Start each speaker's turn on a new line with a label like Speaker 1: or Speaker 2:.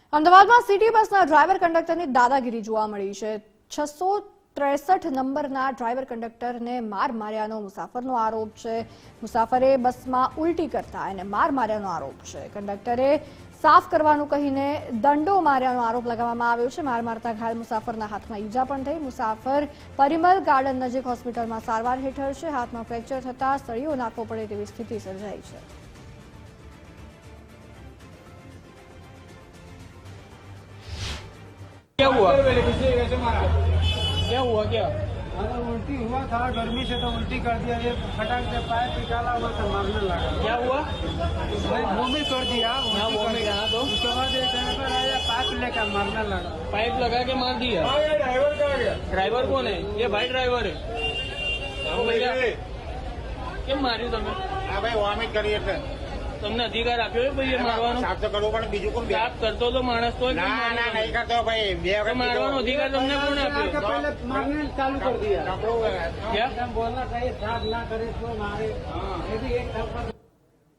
Speaker 1: અમદાવાદમાં સિટી બસના ડ્રાઈવર કંડક્ટરની દાદાગીરી જોવા મળી છે। 663 નંબરના ડ્રાઈવર કંડક્ટરને માર માર્યાનો મુસાફરનો આરોપ છે। મુસાફરે બસમાં ઉલટી કરતા એને માર માર્યાનો આરોપ છે। કંડક્ટરે સાફ કરવાનું કહીને દંડો માર્યાનો આરોપ લગાવવામાં આવ્યો છે। માર મારતા ઘાયલ મુસાફરના હાથમાં ઈજા પણ થઈ। મુસાફર પરિમલ ગાર્ડન નજીક હોસ્પિટલમાં સારવાર હેઠળ છે। હાથમાં ફ્રેક્ચર થતા સળીઓ નાખવો પડે તેવી સ્થિતિ સર્જાઈ છે।
Speaker 2: क्या हुआ क्या
Speaker 3: अरे उल्टी हुआ था, गर्मी से तो उल्टी कर दिया। ये फटाक से पैर निकाला हुआ था, मारने लगा।
Speaker 2: क्या हुआ?
Speaker 3: वॉमिट कर दिया।
Speaker 2: हाँ, वॉमिट कहा तो
Speaker 3: उसके बाद एक ड्राइवर आया, पाइप लेकर मारने लगा।
Speaker 2: पाइप लगा के मार दिया।
Speaker 3: ड्राइवर कहाँ गया?
Speaker 2: ड्राइवर कौन है? ये भाई ड्राइवर है। तो भैया કેમ માર્યું તમે?
Speaker 4: હા ભાઈ, વોમિટ કરી એટલે
Speaker 2: તમને અધિકાર આપ્યો છે ભાઈ એ મારવાનો?
Speaker 4: સાફ તો કરવું પણ બીજું કોણ?
Speaker 2: સાફ કરતો તો માણસ તો
Speaker 4: ના ના નહીં કરતો ભાઈ। બે
Speaker 2: તો મારવાનો અધિકાર તમને કોણ આપ્યો?
Speaker 3: पहले मारने चालू कर दिया।
Speaker 2: क्या
Speaker 3: बोलना चाहिए, साफ ना करे तो मारे। ये भी एक